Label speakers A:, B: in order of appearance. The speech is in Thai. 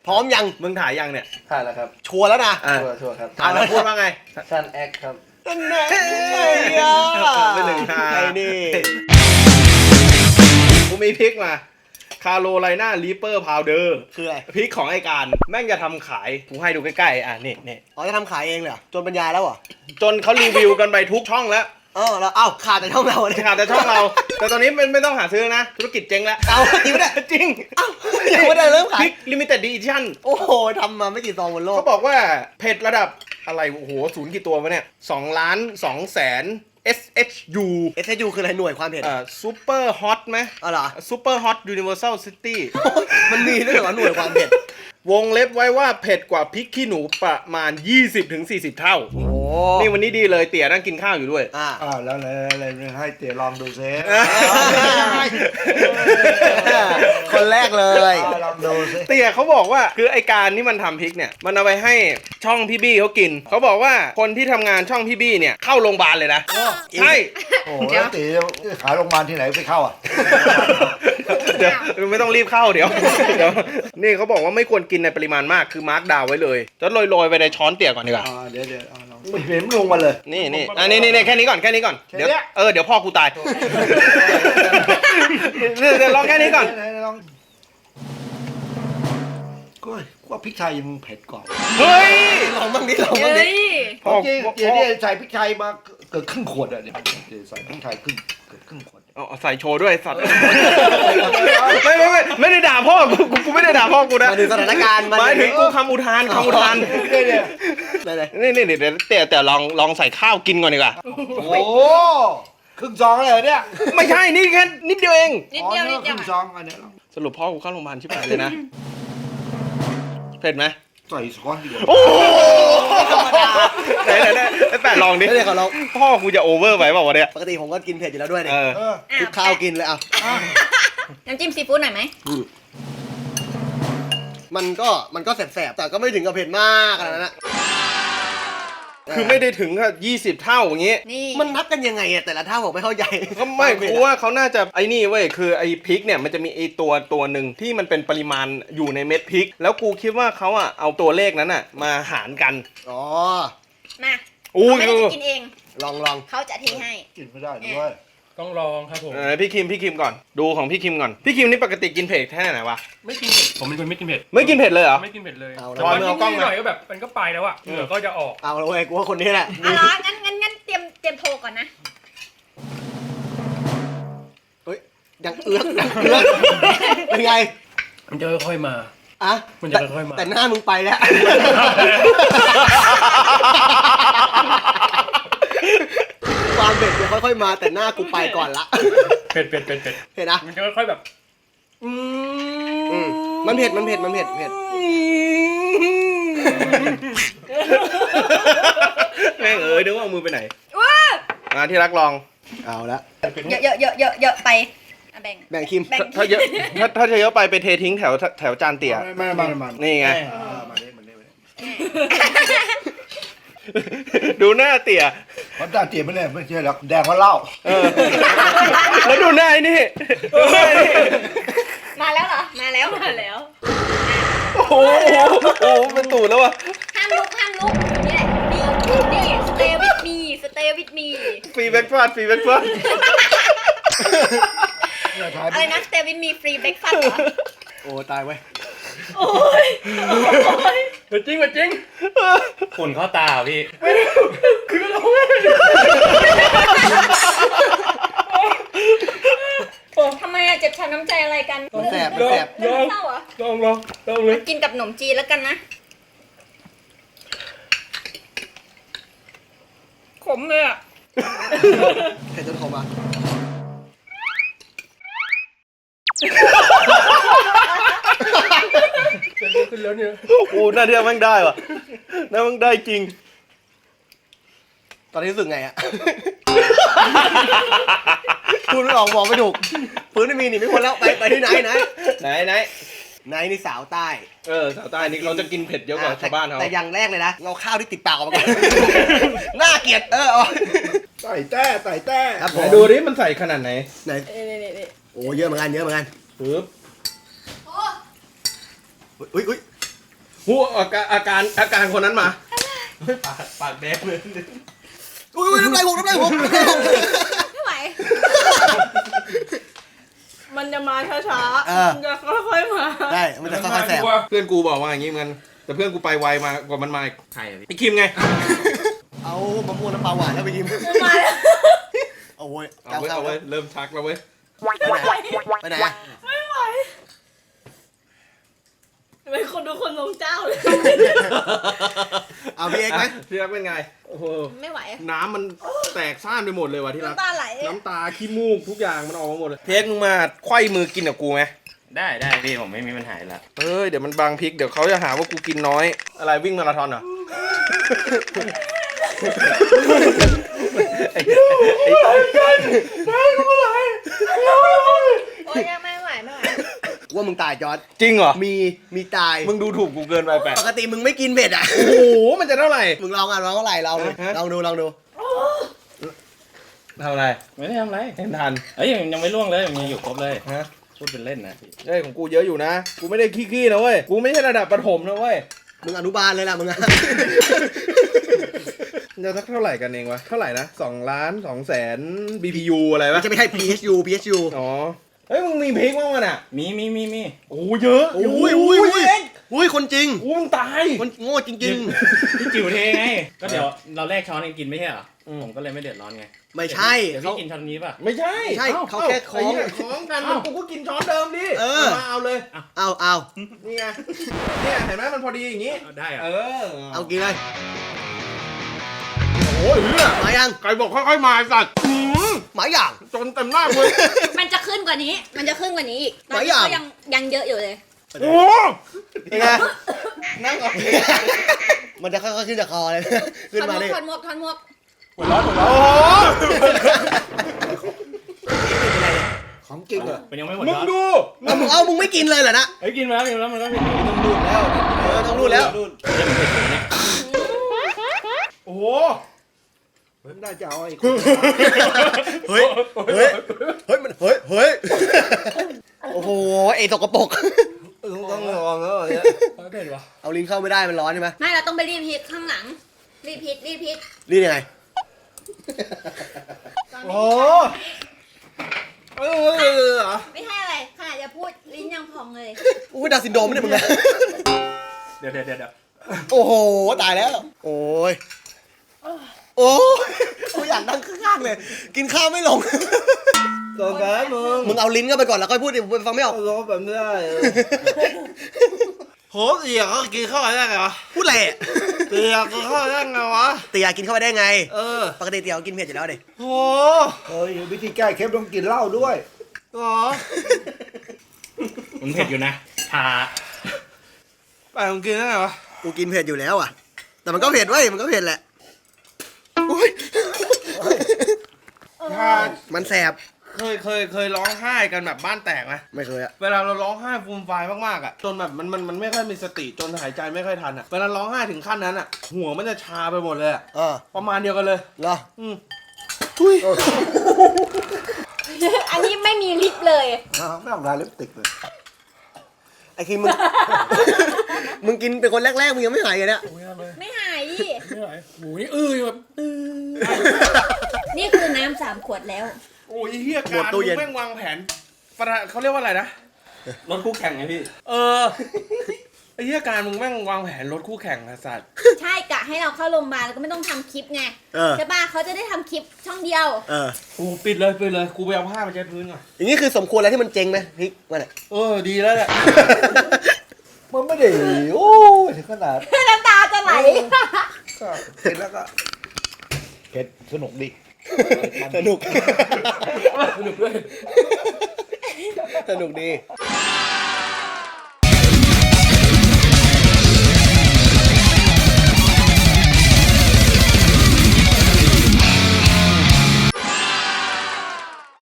A: พร้อมยัง
B: มึงถ่ายยังเนี่ย
C: ถ่ายแล้วครับ
A: ชัวร์แล้วนะ
C: ชัวร์ครับ
B: ถ่ายแล้วพูดว่าไง
C: ชันแอคครับ
A: นั่นไงอ่ะ
B: ไม่หนึ่งทาง
A: ไอ้นี่
B: กูมีพริกมาคาโรไลนารีเปอร์พาวเดอร์
A: คืออะไร
B: พริกของไอการแม่งจะทำขายกูให้ดูใกล้ๆนี่
A: อ๋อจะทำขายเองเลยเหรอจนบรรยายแล้วเหรอ
B: จนเขารีวิวกันไปทุกช่องแล้ว
A: แล้วเอ้าขาดแต่ช่องเราเนี่ย
B: ขาดแต่ช่องเรา แต่ตอนนี้ไม่ต้องหาซื้อนะ ธุรกิจเจ๊งแล้ว
A: เอาจริงไม่ได้
B: จริง
A: เอ้ายังไม่ได้เริ่ม
B: พ
A: ขาย
B: ริกลิมิเต็ดดิชั่น
A: โอ้โหทำมาไม่กี่ซองบนโลก
B: เขาบอกว่าเผ็ดระดับอะไรโอ้โหศูนย์กี่ตัววะเนี่ย2,200,000 SHU
A: SSU คืออะไรหน่วยความเผ็ด
B: ซูเปอร์ฮอตไหม
A: อ๋อเหรอ
B: ซูเปอร์ฮอตยูนิเวอร์แซลซิตี้
A: มันมีด้วยเหรอหน่วยความเผ็ด
B: วงเล็บไว้ว่าเผ็ดกว่าพริกขี้หนูประมาณ 20-40 เท่า
A: โอ้
B: นี่วันนี้ดีเลยเตี๋ยนั่งกินข้าวอยู่ด้วย
C: แล้วให้เตี๋ยลองดูซิ
A: คนแรกเลย
C: ลองดูซิ
B: เตี๋ยเขาบอกว่าคือไอการที่มันทำพริกเนี่ยมันเอาไปให้ช่องพี่บี้เขากินเขาบอกว่าคนที่ทำงานช่องพี่บี้เนี่ยเข้าโรงพยาบาลเลยนะใช่
C: โอ้แล้วเตี๋ยขายโรงพยาบาลที่ไหนไปเข้าอ่ะ
B: เดี๋ยวไม่ต้องรีบเข้าเดี๋ยวนี่เขาบอกว่าไม่ควรกินในปริมาณมากคือมาร์กดาวไว้เลยจะโรยๆไปในช้อนเตี๋ยก่อนดีกว่า
C: เดี๋ยวลองไม่เห็นลงมาเลย
B: นี่แค่นี้ก่อนเดี๋ยวเดี๋ยวพ่อกูตายเดี๋ยวลองแค่นี้ก่อน
C: ลองก็ว่าพริกไทยยังเผ็ดกว่า
B: เฮ้ย
A: ลองบ้างดิลองบ้าง
D: เฮ้
A: ดิ
D: ย
B: พ่อ
C: เตี๋ยเนี่ยใส่พริกไทยมาเกือบครึ่งขวดอ่ะเนี่ยใส่พริกไทยเกือบครึ่งขวด
B: เอาใส่โชว์ด้วยสัตว์ไม่ได้ด่าพ่อกูไม่ได้ด่าพ่อกูนะ
A: มาถึงสถานการณ์
B: หมายถึงกูคำอุทาน
A: ได้เลย
B: นี่เดี๋ยวแต่ลองใส่ข้าวกินก่อนดีกว่า
C: โอ้ครึ่งซองเลยเนี่ย
B: ไม่ใช่นี่แค่นิดเดียวเอง
D: นิดเดียว
C: ครึ่งซองอันนี้ลอง
B: สรุปพ่อกูเข้าโรงพยาบาลชิบหายเลยนะเผ็ดไหม
C: ใส่ช้อนดีกว่า
B: โอ้ไหนแปะลองดิ
A: ไม่ได้ขอลอง
B: พ่อกูจะโอเวอร์ไปเปล่าวะเนี่ย
A: ปกติผมก็กินเผ็ดอยู่แล้วด้วยเนี่ย
C: เออ
A: คลุกข้าวกินเลยอ่ะ
D: น้ำจิ้มซีฟู้ดหน่อยไหม
A: มันก็แสบๆแต่ก็ไม่ถึงกับเผ็ดมากขนาดนั้นนะ
B: คือไม่ได้ถึงกับ20 เท่าอย่างงี้
D: นี่
A: มันนับกันยังไงอะแต่ละเท่าผมไม่เข้าใจ
B: ก็ไม่กูว่าเขาน่าจะไอ้นี่เว้ยคือไอ้พริกเนี่ยมันจะมีไอ้ตัวหนึ่งที่มันเป็นปริมาณอยู่ในเม็ดพริก แล้วกูคิดว่าเขาอะเอาตัวเลขนั้นอะมาหารกัน
A: อ๋อ
D: มา
B: อู้
D: ไม่ได้จะกินเอง
A: ลอง
D: เขาจะเทให้
C: กินไม่ได้ด้วย
E: ต้องลองครับผม
B: พี่คิมก่อนดูของพี่คิมก่อนพี่คิมนี่ปกติกินเผ็ดแค่ไหนวะ
E: ไม่กินเผ็ดผมเป็นคนไม่กินเผ็ด
B: ไม่กินเผ็ดเลยเหรอ
E: ไม่กินเผ็ดเลย
A: เอา
E: แต่
A: ละ
E: ว่า
B: เอากล้อง
E: นิด
B: มา
E: หน่อยก็แบบมันก็ไปแล้วอะเหงื่อก็จะออก
A: เอาละเว้ยกูว่าคนนี้แหละ
D: เอาเหรองั้นเตรียมโทรก่อนนะ
A: เฮ้ยยังเอื้อกเป็นไง
E: มันจะค่อยๆมา
A: อ่ะ
E: มันจะค่อยๆมา
A: แต่หน้ามึงไปแล้วความเผ็ดจะค่อยๆมาแต่หน้ากูไปก่อนละ
E: เผ็ด
A: เห็นนะ
E: มันจะค่อยๆแบบ
A: มันเผ็ดเผ็ด
B: แม่งนึกว่าเอามือไปไหน
D: ว้า
B: มาที่รักลอง
A: เอาละ
D: เยอะไปอ่ะแบ่ง
A: แบ่งคิม
D: แบ่ง
B: ถ้าเยอะถ้าเยอะไปเททิ้งแถวจานเตี๋ย
C: ไม่
B: นี่ไง
C: มาดิ
B: ดูหน้าเตี๋ย
C: เพราะตาเตี๋ยไม่เลยไม่ใช่หรอกแดงเพราะเหล้า
B: แล้วดูหน้าไอ้นี่ดูหน้าไอ้นี่
D: มาแล้วเหรอ มาแล้ว
B: โอ้โหเป็นตูดแล้ววะ
D: ห้ามลุกนี่แหละนี่ stay with me
B: ฟรีแบ็กฟาด
D: อะไรนะ stay with me free breakfast เหรอ
A: โอ้ตายเว้ย
D: โอ้ย
E: จริงฝุ่นเข้าตาพี่
D: ทำไมอะเจ็บช้ำน้ำใจอะไรกัน
A: มันแสบ
D: เศร้าเหรอ
E: ลองเลย
D: กินกับขนมจีนแล้วกันนะ ขมเลยอะ
A: เผ็ดจนขมอ่ะ
E: ขึ้นแล้วเนี่ย
B: โอ้หน้าเทียบแม่งได้ว่ะหน้าแม่งได้จริง
A: ตอนนี้รู้สึกไงอ่ะ พูดไม่ออกบอกไม่ถูกพื้นไม่มีหนีไม่พ้นแล้วไปที่ไหน
B: ไหน
A: นี่สาวใต้
B: สาวใต้นี่เราจะกินเผ็ดเยอะกว่าชาวบ้านเขา
A: แต่อย่างแรกเลยนะเอาข้าวที่ติดปากออกมาก่อน น่าเกลียดเอา
C: ใส่แต้
A: ครับผ
B: ไหน
A: ม
B: ดูดิมันใส่ขนาดไหน
A: ไหน
D: นี่
A: โอ้เยอะเหมือนกัน
B: ปึ๊บ
A: อุ้ย
B: หูอาการคนนั้นมาปากแดงเลย
A: อุ้ยน้ำลายหก
D: ไม่ไหว
F: มันจะมาช้า
A: เออ
F: มันจะค่อยๆมา
A: ได้มันจะค่อยๆแสบ
B: เพื่อนกูบอกว่าอย่างงี้เหมือนกันแต่เพื่อนกูไปไวมากว่ามันมาใครไอ้คิมไง
A: เอามะม่วงน้ำปลาหวานแล้วไปกิน
F: มาแล้ว
A: เอาเว้ย
B: เอาเว้ยเอาเว้ยเริ่มชักแล้วเว้ย
A: ไปไหนอะ
F: ไม่ไหวเป็นคนดูคนลงเจ้าเลย
A: เอาพี่เอ็กซ์ไหม
B: พี่รักเป็นไงโอ้โห
D: ไม่ไหว
B: น้ำมันแตกซ่านไปหมดเลยว่ะที่รัก
F: น้ำตาไหล
B: น้ำตาขี้มูกทุกอย่างมันออกมาหมดเลยเพียกมึงมาไขว้มือกินกับกูไหม
E: ได้พี่ผมไม่มีปัญหาอยู่แล้ว
B: เอ้ยเดี๋ยวมันบางพริกเดี๋ยวเขาจะหาว่ากูกินน้อยอะไรวิ่งมาราธอนเหรอ
D: โอ๊ยไม่ไหว
A: ว่ามึงตายจอร์ด
B: จริงเหรอ
A: มีตาย
B: มึงดูถูกกูเกินไปแปะ
A: ปกติมึงไม่กินเผ็ดอ่ะ
B: โอ้โหมันจะเท่าไหร่
A: มึงลองอ่ะลองเท่าไหร่ลองดู
B: ฮะ
A: ลองดู
B: เท่าไหร่
E: ไม่ได้ทำอะไร
B: เห็นทัน
E: เอ้ยยังไม่ล่วงเลยยังอยู่ครบเลย
B: ฮะ
E: พูดเป็นเล่นนะพี่
B: เอ้ยของกูเยอะอยู่นะกูไม่ได้ขี้ๆนะเว้ยกูไม่ใช่ระดับประถมนะเว้ย
A: มึงอนุบาลเลยล่ะมึงอะ
B: จะสักเท่าไหร่กันเองวะเท่าไหร่นะ2 ล้าน2 แสน BPU อะไร
A: มั
B: วะ
A: นจะไม่ใช่ PHU
B: อ๋อเฮ้ยมึงมีพริกมั้งมันอ่ะ
E: มี
B: โอ้เยอะ
A: อุ้ยคนจริง
B: โอ้มึงตาย
A: คนโง่จริง
E: พี่จิ๋วเทไง ก็เดี๋ยวเราแลกช้อนกันกินไม่ใช่เหรอผมก็เลยไม่เดือดร้อนไง
A: ๆ ไม่ใช่
E: เดี๋ยว
A: เขา
E: พี่กินช้อนนี้ป่ะ
B: ไม่ใช่
A: ใช่
B: อ้
A: เขาแค่คล้อง
B: ไเหี้ยคล้องกันแล้วกูก็กินช้อนเดิมดิ
A: เออ
B: มาเอาเลย
A: เอา
B: นี่ไงเนี่ยเห็นไหมมันพอดีอย่างงี้
E: เอาได้เหร
B: เอ
E: อ
B: อ
A: เอากินเลย
B: โอ้ยเหี้ย
A: มายัง
B: ใครบอกค่อยๆมาไอ้สัตว์
A: หมาอย่าง
B: จนเต็มหน้าเลย
D: มันจะขึ้นกว่านี้ มันจะขึ้นกว่านี้อีกตอน
A: หลาย
D: นี้
A: อย่าง
D: ก็ยังเยอะอยู่เลย
B: โอ้
A: เป็นไง
B: นั่งก่อน
A: มันจะค่อยๆขึ้นจากคอเลย ขึ้นมาเลย
D: ถอดหมวก
B: หัวร้อนโอ้โห
C: ของจริงเหรอ
E: มันยังไม่หมด
B: มึง
E: ช้อน
B: ดู
A: มึงไม่กินเลยเหรอนะ
E: เฮ้ยกินมาแล้วมันก็ผิด
A: ต้องรูดแล้ว
B: โอ้โห
C: น่าจะเอาไอ้
A: เฮ้ยโอ้โหไอ้ตกกระปรก
B: ต้องลองแล้วเนี่ย
E: เผ็ดวะ
A: เอาลิ้นเข้าไม่ได้มันร้อนใช่ไหม
D: ไม่เราต้องไปรีบพิษข้างหลัง รีบพิษ
A: รีดยังไง
B: โอ้เหรอ
D: ไม่ใช่อะไรขนาดจะพูดลิ้นยังพองเลย
A: อุ้ยดาวน์ซินโดรมเนี่ยมึงนะ
E: เดี๋ยว
A: โอ้โหตายแล้ว โอ้ยโอ้ยกูอยากนั่งข้างๆเลย กินข้าวไม่ลง
B: สงสารมึง
A: มึงเอาลิ้นเข้าไปก่อนแล้วค่อยพูดดิผมฟังไม่ออก
B: ร้องแบบนี้ได้โหเสียก็กินข้าวได้ไงวะ
A: พูดอะไรอะ
B: เสียกินข้าวได้ไงวะ
A: เตี๋ยกินเข้าไปได้ไง
B: เออ
A: ปกติเตี๋ยกินเผ็ดอยู่แล้วดิ
B: โห
C: เฮ้ยวิธีแก้เคล็ดต้องกินเหล้าด้วย
B: หรอ
E: มันเผ็ดอยู่นะชา
B: ไปมึงกินได้ไงวะ
A: กูกินเผ็ดอยู่แล้วอ่ะ แต่มันก็เผ็ดเว้ยมันก็เผ็ดแหละอุ๊ย
B: ถ้า
A: มันแสบ
B: เคยร้องไห้กันแบบบ้านแตกไหม
A: ไม่เคยอะ
B: เวลาเราร้องไห้ฟูมฟายมากๆอ่ะจนแบบมันไม่ค่อยมีสติจนหายใจไม่ค่อยทันอ่ะเวลาร้องไห้ถึงขั้นนั้นอ่ะ หัวมันจะชาไปหมดเลยอะ ประมาณเดียวกันเลย
A: เหรอ
B: อืม
D: อันนี้ไม่มีลิปเลย
C: ไม่ต้องทาลิปสติกเลย
A: ไอ้คิมมึง มึงกินเป็นคนแรกๆมึงยังไม่หายเลยเนี่ย
D: ไม่หายดิ
E: ไม่ไหวหมูนี่แบบ
D: นี่คือน้ำ3 ขวดแล้ว
B: โอ้ยเฮียการมึงแม่งวางแผนเขาเรียกว่าอะไรนะ
E: รถคู่แข่งไงพี่
B: เออไอ้เฮียการมึงแม่งวางแผนรถคู่แข่งนะสัตว์
D: ใช่กะให้เราเข้าโรงพยาบาลแล้วก็ไม่ต้องทำคลิปไง
A: เออ
D: ใช่ป่ะเขาจะได้ทำคลิปช่องเดียว
A: เออ
B: กูปิดเลยกูไปเอาผ้ามาเช็ดพื้นก่อน
A: อย่างนี้คือสมควรแล้วที่มันเจ๊งไหมพริกมันอะ
B: เออดีแล้วแหละ
C: มันไม่ได้โอ้ยถึงขนาด
D: น้ำตาจะไหล
C: ก็เห็นแล้วก็เผ็ดสนุกดี
A: สนุก
E: สนุกด้วย
A: สนุกดี